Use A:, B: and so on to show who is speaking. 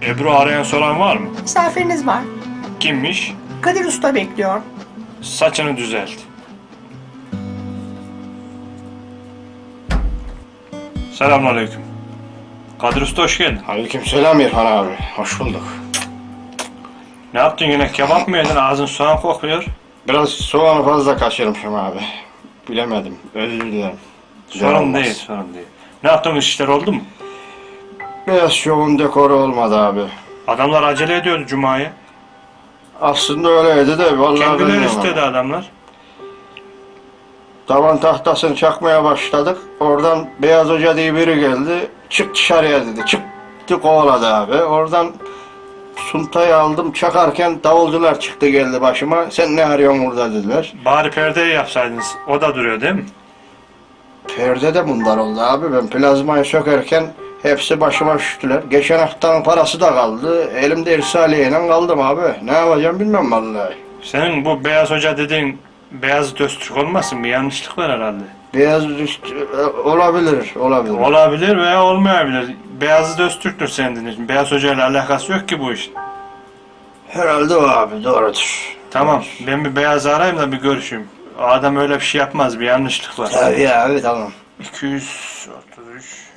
A: Ebru arayan soran var mı?
B: Misafiriniz var.
A: Kimmiş?
B: Kadir Usta bekliyor.
A: Saçını düzelt. Selamünaleyküm. Kadir Usta hoş geldin.
C: Aleykümselam İrfan abi. Hoş bulduk.
A: Ne yaptın yine? Kebap mı yedin? Ağzın soğan kokuyor.
C: Biraz soğanı fazla kaçırmışım abi. Bilemedim. Özür dilerim.
A: Sorun
C: Olmaz.
A: değil, sorun değil. Ne yaptın? İşler oldu mu?
C: Biraz şovun dekoru olmadı abi.
A: Adamlar acele ediyordu Cuma'ya.
C: Aslında öyleydi de vallahi
A: Kendileri
C: bilmiyorum
A: istedi
C: ama.
A: adamlar.
C: Tavan tahtasını çakmaya başladık. Oradan Beyaz Hoca diye biri geldi. Çık dışarıya dedi. Çıktı kovaladı abi. Oradan suntayı aldım. Çakarken davulcular çıktı geldi başıma. Sen ne arıyorsun burada dediler.
A: Bari perdeyi yapsaydınız. O da duruyor değil mi?
C: Perde de bunlar oldu abi. Ben plazmayı sökerken hepsi başıma üşüttüler. Geçen haftanın parası da kaldı. Elimde irsaliyeyle kaldım abi. Ne yapacağım bilmem vallahi.
A: Senin bu Beyaz Hoca dediğin Beyazıt Öztürk olmasın? Bir yanlışlık var herhalde.
C: Beyaz olabilir.
A: Olabilir veya olmayabilir. Beyazıt Öztürk'tür senin için. Beyaz Hoca ile alakası yok ki bu işin.
C: Herhalde o abi doğrudur.
A: Tamam, ben bir Beyaz'ı arayayım da bir görüşeyim. O adam öyle bir şey yapmaz, bir yanlışlık var.
C: Tabii abi tamam.
A: 233